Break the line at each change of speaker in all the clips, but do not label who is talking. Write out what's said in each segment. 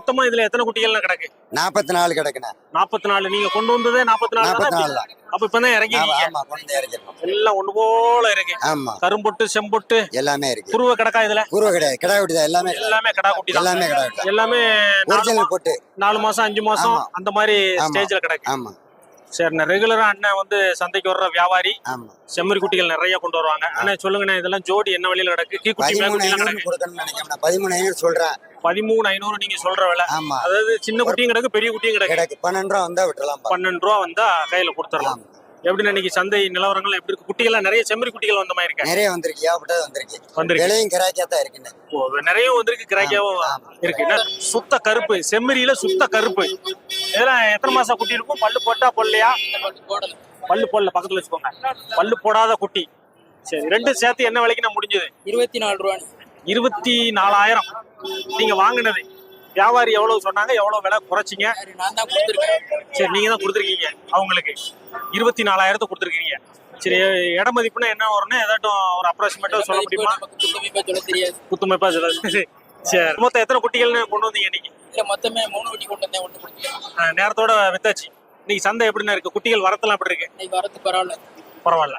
மொத்தமா இதுல எத்தனை குட்டிகள் கிடக்கு?
44 கிடக்குண்ணே.
44. நீங்க கொண்டு வந்ததே 44 தான். அப்ப இப்பதான் இறங்கிருக்கீங்க.
ஆமா, கொண்டு இறக்கிட்டோம்.
எல்லாம் ஒண்ணு போல இருக்கு.
ஆமா,
கரும்பொட்டு செம்பொட்டு
எல்லாமே இருக்கு.
குருவ கிடக்கா இதுல?
குருவ கிடையாது, கிடா குட்டி தான்.
எல்லாமே கிடா குட்டி தான்.
எல்லாமே கிடா குட்டி.
எல்லாமே
ஒரிஜினல் பொட்டு.
4 மாசம் 5 மாசம் அந்த மாதிரி ஸ்டேஜ்ல கிடக்கு.
ஆமா.
சரிண்ணா, ரெகுலரா அண்ணன் வந்து சந்தைக்கு வர்ற வியாபாரி.
ஆமா.
செம்மறி குட்டிகள் நிறைய கொண்டு வருவாங்க. அண்ணா சொல்லுங்கண்ணா, இதெல்லாம் ஜோடி என்ன விலையில கிடக்கு? கீ குட்டி மேல் குட்டி எல்லாம் கிடக்கு.
கொடுக்கணும்னு நினைக்கிறேன். 13,500 சொல்றேன்.
13,500 நீங்க சொல்ற விலை.
ஆமா.
அதாவது சின்ன குட்டியும் கிடக்கு, பெரிய குட்டியும் கிடக்கு.
12 ரூபா வந்தா விட்டுறலாம்.
12 ரூபா வந்தா கையில கொடுத்துடலாம். எப்படின்னா இன்னைக்கு சந்தை நிலவரங்கள் எப்படி இருக்கு? குட்டிகள் நிறைய செம்மறி குட்டிகள் வந்த மாதிரி இருக்கு.
நிறைய வந்திருக்கு, ஏகப்பட்டது வந்திருக்கு. விலையும் கிராக்கியா தான் இருக்குன்னு.
நிறைய வந்திருக்கு, கிராக்கியாவும் இருக்கு. சுத்த கருப்பு செம்மறியில சுத்த கருப்பு. இதெல்லாம் எத்தனை மாசம் குட்டி இருக்கும்? பல்லு போட்டா பொல்லையா? பல்லு போடல, பக்கத்துல வச்சுக்கோங்க. பல்லு போடாத குட்டி. சரி, ரெண்டு சேர்த்து என்ன விலைக்கு நான் முடிஞ்சது?
24 ரூபா.
24,000. நீங்க வாங்கினது வியாபாரி எவ்வளவு சொன்னாங்க? எவ்வளவு விலை குறைச்சிங்க? சரி, நீங்க தான் கொடுத்துருக்கீங்க அவங்களுக்கு. 24,000 கொடுத்துருக்கீங்க. சரி, இட மதிப்புனா என்ன வரும்னா ஏதாட்டும் ஒரு அப்ராக்சிமேட்டா சொல்ல முடியுமா? குத்துமைப்பா சொல்ல. சரி, மொத்தம் எத்தனை குட்டிகள்னு கொண்டு வந்தீங்க இன்னைக்கு?
மொத்தமே 3 குட்டி கொண்டு வந்தேன், 1 கொடுத்தேன்.
நேரத்தோட வித்தாச்சு. இன்னைக்கு சந்தை எப்படின்னா இருக்கு? குட்டிகள் வரத்தெல்லாம் எப்படி இருக்கு?
இன்னைக்கு வரது பரவாயில்ல.
பரவாயில்ல.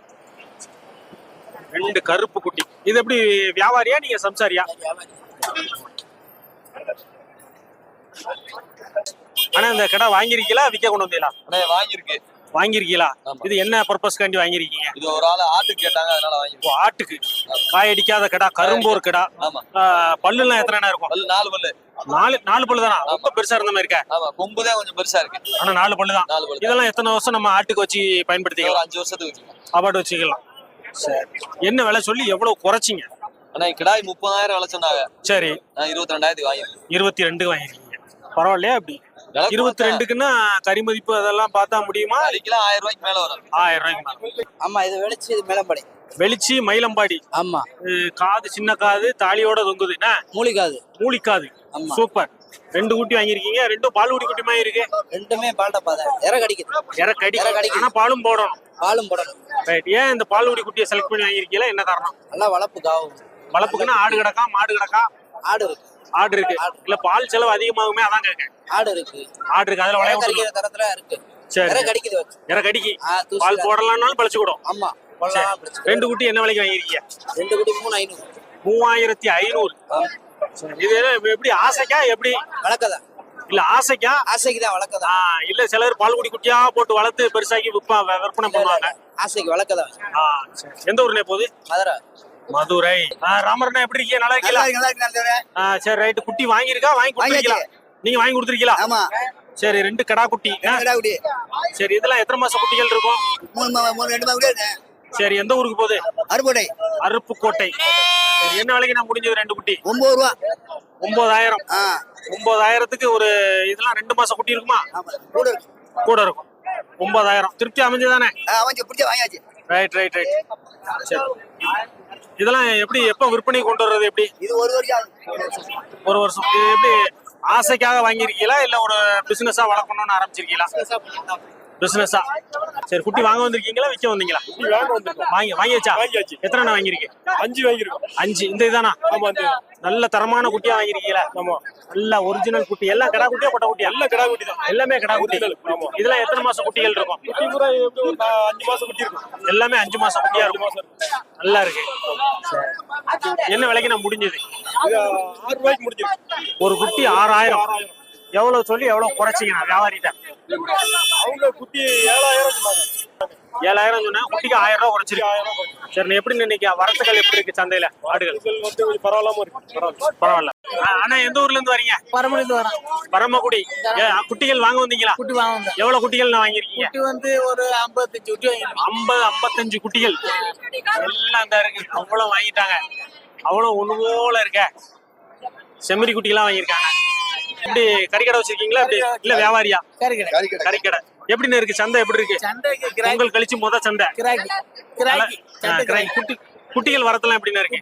2 கருப்பு குட்டி. இது எப்படி வியாபாரியா நீங்க சம்சாரியா? ஆனா இந்த கடை வாங்கிருக்கீங்களா, விற்க கொண்டு வந்தீங்களா? வாங்கிருக்கீங்களா? இது என்ன பர்பஸ்க்காண்டி வாங்கிருக்கீங்க?
இது ஒரு ஆளு ஆட்டுக்கு கேட்டாங்க, அதனால வாங்கி.
ஆட்டுக்கு காய் அடிக்காத கடை, கரும்போர் கடை. பல்லு எல்லாம் எத்தனை இருக்கும்?
4 பல்லு.
4 பல்லு தானா? ரொம்ப பெருசா இருந்த மாதிரி இருக்கா?
ஆமா, கொம்பு தான் கொஞ்சம் பெருசா இருக்கு.
ஆனா 4 பல்லு தான். இதெல்லாம் எத்தனை வருஷம் நம்ம ஆட்டுக்கு வச்சு பயன்படுத்திக்கலாம்?
5 வருஷத்துக்கு வச்சுக்கலாம்.
அவார்டு வச்சுக்கலாம். சரி, என்ன விலை சொல்லி எவ்வளவு குறைச்சிங்க?
ஆனா கிடாய் 30,000 விலை சொன்னாங்க.
சரி,
நான் 22,000 வாங்கிருக்கேன்.
22 வாங்கிருக்கீங்க. பரவாயில்லையா? அப்படி 22க்குன்னா கறி மதிப்பு அதெல்லாம் பார்த்தா முடியுமா?
1,000 ரூபாய்க்கு மேல வரும்.
1000 ரூபாய்க்கு மேல.
ஆமா, இது வெளிச்சி, இது மேலம்பாடி.
வெளிச்சி மயிலம்பாடி.
ஆமா.
காது சின்ன காது, தாலியோட தொங்குது. என்ன
மூலிகாது?
மூலிக்காது. சூப்பர். 2 குட்டி வாங்கிருக்கீங்க. 2 பால்குடி குட்டி மாதிரி இருக்கு.
ரெண்டுமே பால்ட பாதை. இற கடிக்குது.
ஆனா பாலும் போடணும்.
பாலும் போடணும்.
ரைட். ஏன் இந்த பால்குடி குட்டியை செலக்ட் பண்ணி வாங்கிருக்கீங்களா? என்ன காரணம்?
நல்லா வளர்ப்புக்காகும்.
வளர்ப்புக்குன்னா ஆடு கிடக்கா, மாடு கிடக்கா?
ஆடு இருக்கு.
ஆடு இருக்கு. இல்ல பால் செலவு அதிகமாகுமே, அதான் கேட்க.
ஆடு இருக்கு.
ஆடு இருக்கு. அதுல
வளைய தரத்துல இருக்கு.
சரி,
இற கடிக்குது.
இற கடிக்கி பால் போடலாம்னாலும் பழிச்சு கூடும்.
ஆமா.
2 குட்டி என்ன விலைக்கு வாங்கிருக்கீங்க?
2 குட்டி 3,500.
3,500. இது எப்படி ஆசைக்கா? எப்படி
வளர்க்கதா?
இல்ல ஆசைக்கா?
ஆசைக்கு தான் வளர்க்கதா.
இல்ல சிலர் பால்குடி குட்டியா போட்டு வளர்த்து பெருசாக்கி விற்பனை பண்ணுவாங்க.
ஆசைக்கு வளர்க்கதா.
எந்த ஊர்ல போகுது? மதுரை. ராமரண்ணா எப்படி இருக்கீங்க? நல்லா இருக்கீங்களா? சரி, ரைட். குட்டி வாங்கியிருக்கா? வாங்கி கொடுத்துருக்கீங்களா? நீங்க வாங்கி கொடுத்துருக்கீங்களா?
ஆமா.
சரி, 2 கடா குட்டி. சரி, இதெல்லாம் எத்தனை மாசம் குட்டிகள் இருக்கும்?
3
சரி, எந்த ஊருக்கு போகுது? அருப்புக்கோட்டை. என்ன விலைக்கு நான் முடிஞ்சது? 2 குட்டி
9 ரூபா.
9,000. 9,000க்கு ஒரு இதெல்லாம் 2 மாசம் குட்டி இருக்குமா? கூட இருக்கும். 9,000 திருப்தி அமைஞ்சதானே?
வாங்கியாச்சு.
ரைட். சரி, இதெல்லாம் எப்படி எப்ப விற்பனை கொண்டு வர்றது? எப்படி?
இது 1 வருஷம்.
1 வருஷம். இது எப்படி ஆசைக்காக வாங்கிருக்கீங்களா, இல்ல ஒரு பிசினஸா வளர்க்கணும்னு ஆரம்பிச்சிருக்கீங்களா? பிசினஸா. சரி, குட்டி வாங்க வந்திருக்கீங்களா, விற்க வந்தீங்களா? வாங்கியாச்சா? எத்தனை வாங்கிருக்கீங்க? 5 வாங்கிருக்கோம். 5. இந்த இதானா? நல்ல தரமான குட்டியா வாங்கிருக்கீங்களா? நல்ல ஒரிஜினல் குட்டி. எல்லாம் கடா குட்டியா பொட்டை குட்டியா? எல்லாம் கடா குட்டி தான். எல்லாமே கடா குட்டி. இதெல்லாம் எத்தனை மாசம் குட்டிகள் இருக்கும்?
5 மாசம் குட்டி இருக்கும்.
எல்லாமே 5 மாசம் குட்டியா இருக்கும். நல்லா இருக்கு. என்ன விலைக்கு நான் முடிஞ்சது?
6 ரூபாய்க்கு முடிஞ்சிருக்கு.
ஒரு குட்டி 6,000. எவ்வளவு சொல்லி எவ்வளவு குறைச்சிங்க வியாபாரிட்ட?
அவங்க குட்டி 7,000 சொன்னாங்க.
7,000 சொன்னா குட்டிக்கு 1000 ரூபாய் குறைச்சிருக்கு. சரி, எப்படி இன்னைக்கு வரத்துகள் எப்படி இருக்கு சந்தையில? ஆடுகள்
கொஞ்சம் பரவாயில்லாம இருக்கு.
பரவாயில்ல. ஆனா எந்த ஊர்ல இருந்து வரீங்க?
பரமக்குடியில வரோம்.
பரமக்குடி. குட்டிகள் வாங்க வந்தீங்களா?
குட்டி வாங்க வந்தேன்.
எவ்வளவு குட்டிகள் நான் வாங்கிருக்கீங்க?
குட்டி வந்து ஒரு 55 குட்டி வாங்கிருக்கேன்.
55 குட்டிகள் எல்லாம் இந்த இருக்கு. அவ்வளவு வாங்கிட்டாங்க. அவ்வளவு ஒண்ணு போல இருக்க செம்மறி குட்டிலாம் வாங்கியிருக்காங்க. எப்படி கறிக்கடை வச்சிருக்கீங்களா? எப்படி இல்ல வியாபாரியா? கறிக்கடை. எப்படின்னு இருக்கு சந்தை? எப்படி இருக்கு? பொங்கல் கழிச்சு முத சந்தை. குட்டிகள் வரத்தெல்லாம் எப்படின்னு இருக்கு?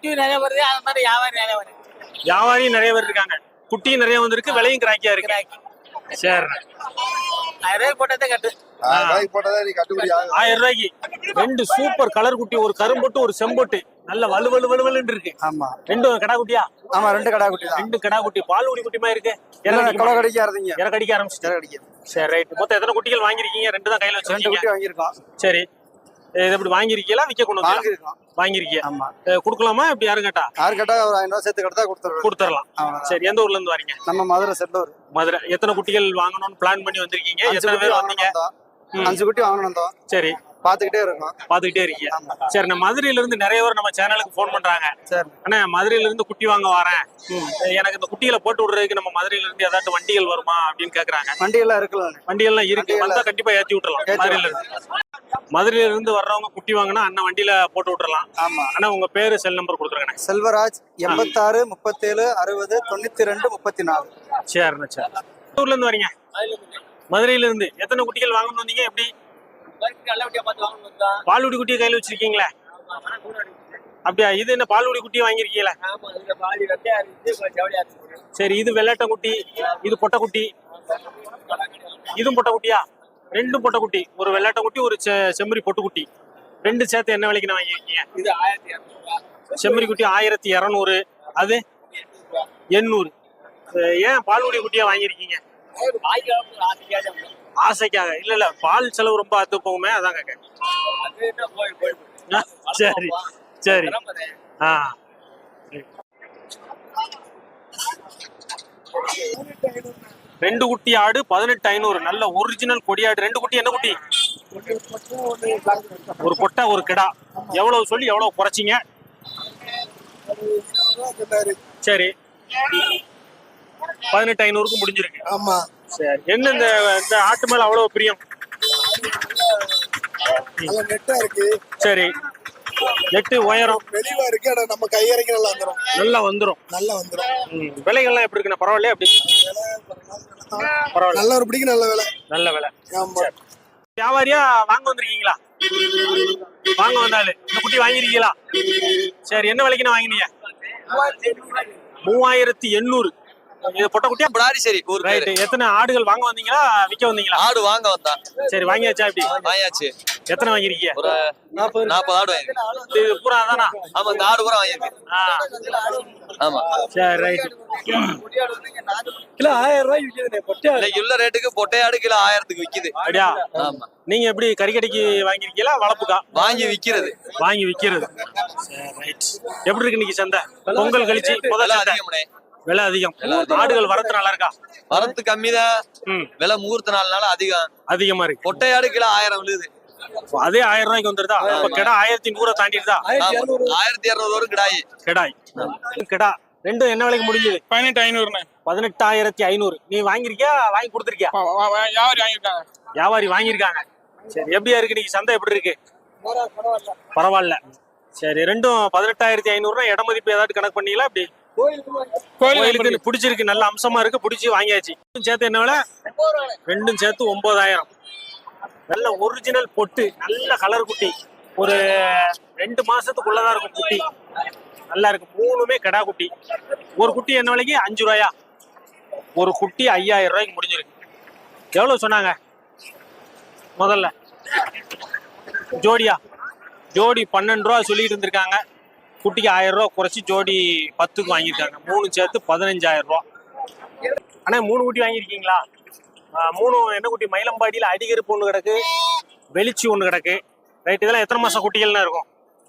வியாபாரியும் நிறைய பேர் இருக்காங்க. குட்டியும் நிறைய வந்திருக்கு. விலையும் கிராக்கியா இருக்கு. சரி,
1000 போட்டதே கட்டு.
1000 ரூபாய்க்கு 2 சூப்பர் கலர் குட்டி, ஒரு கரும்பொட்டு ஒரு செம்பொட்டு. நல்ல வலு வலு வலுன்னு இருக்கு.
ஆமா
ரெண்டும் கடா குட்டியா?
ஆமா, 2 கடா குட்டி தான்.
ரெண்டு கடா குட்டி. பால் குடி குட்டிமா இருக்கு.
கொலை கடிக்காதீங்க.
இற கடிக்க ஆரம்பிச்சு. சரி ரைட். மொத்தம் எத்தனை குட்டிகள் வாங்கிருக்கீங்க? 2 தான் கையில
2
வச்சிருக்கீங்க.
குட்டி வாங்கியிருக்கோம்.
சரி, இது எப்படி வாங்கிருக்கீங்களா விக்க கொண்டு வந்து
வாங்கியிருக்கோம்.
வாங்கிருக்கீங்க?
ஆமா.
கொடுக்கலாமா? இப்படி யாரும் கேட்டா
யாரு கேட்டா ஒரு 500 சேர்த்து கடத்தா
கொடுத்துடலாம். சரி, எந்த ஊர்ல இருந்து வரீங்க?
நம்ம மதுரை செல்லூர்.
மதுரை. எத்தனை குட்டிகள் வாங்கணும்னு பிளான் பண்ணி வந்திருக்கீங்க? எத்தனை பேர் வந்தீங்க?
5 குட்டி வாங்கணும்.
சரி,
பாத்துக்கிட்டே இருக்கோம்.
பாத்துக்கிட்டே இருக்கீங்க. சரி, நான் மதுரையில இருந்து நிறைய பேர் நம்ம சேனலுக்கு போன் பண்றாங்க.
சரி,
ஆனா மதுரையில இருந்து குட்டி வாங்க வரேன், எனக்கு இந்த குட்டிகளை போட்டு விடுறதுக்கு நம்ம மதுரையில இருந்து ஏதாச்சும் வண்டிகள் வருமா அப்படின்னு கேக்குறாங்க.
வண்டி எல்லாம் இருக்குல்ல?
வண்டிகள்லாம் இருக்கு, வந்தா கண்டிப்பா ஏத்தி விட்டுறலாம். மதுரையில இருந்து மதுரையில வர்றவங்க குட்டி வாங்கினா அண்ணன் வண்டியில போட்டு விட்டுறலாம்.
ஆமா.
ஆனா உங்க பேரு செல் நம்பர் கொடுத்துருக்கேன்.
செல்வராஜ் 86 37 60 92 34.
சரிண்ணா. சரி, ஊர்ல இருந்து வரீங்க? மதுரையில இருந்து. எத்தனை குட்டிகள் வாங்கணும் வந்தீங்க? எப்படி பால்குடி குட்டியை கையில வச்சிருக்கீங்களா? அப்படியா? இது என்ன பால்குடி குட்டியை வாங்கிருக்கீங்களா? சரி, இது வெள்ளாட்ட குட்டி, இது பொட்டை குட்டி, இதுவும் பொட்டை குட்டியா? 2 பொட்டை குட்டி, ஒரு வெள்ளாட்ட குட்டி, ஒரு செம்மறி பொட்டு குட்டி. 2 சேர்த்து என்ன விலைக்கு வாங்கிருக்கீங்க? செம்மறி குட்டி 1200, அது 800. ஏன் பால்குடி குட்டியா வாங்கிருக்கீங்க? ஆசைக்காக? இல்ல பால் செலவு ரொம்ப அத்து போகுமே, அதான் கேட்க. சரி சரி. ஆ, 2 குட்டி ஆடு 18,500. நல்ல ஒரிஜினல் கொடியாடு. 2 குட்டி. என்ன குட்டி? ஒரு பொட்டை ஒரு கிடா. எவ்வளவு சொல்லி எவ்வளவு குறைச்சிங்க? சரி, 18,500க்கு முடிஞ்சிருக்கு.
ஆமா.
சரி, என்ன இந்த ஆட்டு மேல அவ்வளவு பிரியம்?
நெட்டா இருக்கு.
சரி, நெட்டு உயரம்
வெளிவா இருக்கு. ஆனா நம்ம கையறைக்கு
நல்லா வந்துரும். விலைகள்லாம் எப்படி இருக்குண்ணா? பரவாயில்லையா? அப்படி பரவாயில்ல.
நல்ல ஒரு பிடிக்கு. நல்ல வேலை.
நல்ல விலை. வியாபாரியா வாங்க வந்திருக்கீங்களா? வாங்க வந்தாலு இந்த குட்டி வாங்கிருக்கீங்களா? சரி, என்ன விலைக்குண்ணா வாங்கினீங்க? 3800. இது பொட்டை குட்டியா?
பிடாரி. சரி, ஒரு
ரைட். எத்தனை ஆடுகள் வாங்க வந்தீங்களா விக்க வந்தீங்களா?
ஆடு வாங்க வந்தா.
சரி, வாங்கியாச்சா? இப்படி
வாங்கியாச்சு.
எத்தனை வாங்கிருக்கீங்க?
ஒரு 40 ஆடு வாங்கிருக்கு.
இது பூரா தானா?
ஆமா, இந்த ஆடு பூரா வாங்கிருக்கு. ஆமா.
சரி, ரைட்.
கிலோ 1000 ரூபாய்க்கு விக்குது. பொட்டை
இன்னைக்கு உள்ள ரேட்டுக்கு பொட்டை ஆடு கிலோ 1000க்கு விக்குது.
அப்படியா?
ஆமா.
நீங்க எப்படி கறிக்கடைக்கு வாங்கிருக்கீங்களா வளப்புக்கா?
வாங்கி விக்கிறது.
வாங்கி விக்கிறது. சரி, ரைட். எப்படி இருக்கு இன்னைக்கு சந்தை? பொங்கல் கழிச்சு முதல்ல
அதிகம்னே.
விலை அதிகம். ஆடுகள் வரத்து நல்லா இருக்கா?
வரத்து கம்மிதான். விலை முகூர்த்த நாள்னால அதிகமா
இருக்கு.
பொட்டை ஆடு கிலோ 1000 விழுது.
அதே 1000 ரூபாய்க்கு வந்துருதா? இப்ப கிடா 1100 தாண்டிடுதா?
1200 வரும் கிடாய்.
கிடா 2 என்ன விலைக்கு முடிஞ்சது?
18,500.
18,500. நீ வாங்கிருக்கியா? வாங்கி கொடுத்துருக்கியா?
வியாபாரி வாங்கிருக்காங்க.
வியாபாரி வாங்கியிருக்காங்க. சரி, எப்படியா இருக்கு இன்னைக்கு சந்தை? எப்படி இருக்கு? பரவாயில்ல. சரி, 2ம் 18,500. இட மதிப்பு ஏதாவது கணக்கு பண்ணீங்களா? அப்படி கோயிலுக்கு பிடிச்சிருக்கு, நல்ல அம்சமா இருக்கு, பிடிச்சி வாங்கியாச்சு. சேர்த்து என்ன விலை? 2ம் சேர்த்து 9,000. நல்ல ஒரிஜினல் பொட்டு, நல்ல கலர் குட்டி. ஒரு 2 மாசத்துக்குள்ளதான் இருக்கும் குட்டி. நல்லா இருக்கு. 3மே கடா குட்டி. ஒரு குட்டி என்ன விலைக்கு? 5 ரூபாயா? ஒரு குட்டி 5000 ரூபாய்க்கு முடிஞ்சிருக்கு. எவ்வளவு சொன்னாங்க முதல்ல? ஜோடியா? ஜோடி 12 ரூபா சொல்லிட்டு இருந்திருக்காங்க. குட்டிக்கு 1000 ரூபா குறைச்சி ஜோடி 10க்கு வாங்கியிருக்காங்க. 3 சேர்த்து 15,000 ரூபா. ஆனா 3 குட்டி வாங்கியிருக்கீங்களா? 3 என்ன குட்டி? மயிலம்பாடியில அடிகருப்பு ஒண்ணு கிடக்கு, வெளிச்சி ஒண்ணு கிடக்கு. ரைட். இதெல்லாம் எத்தனை மாசம் குட்டிகள்னா இருக்கும்?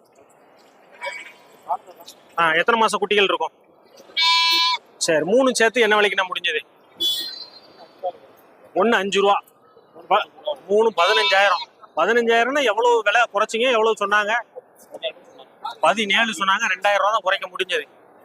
எத்தனை மாசம் குட்டிகள் இருக்கும்? சரி, 3 சேர்த்து என்ன விலைக்கு நான் முடிஞ்சது? 1 5 ரூபா, 3 15,000. 15,000னா எவ்வளவு விலை குறைச்சிங்க? எவ்வளவு சொன்னாங்க? 17 சொன்னாங்க. 2000 ரூபா தான் குறைக்க முடிஞ்சது.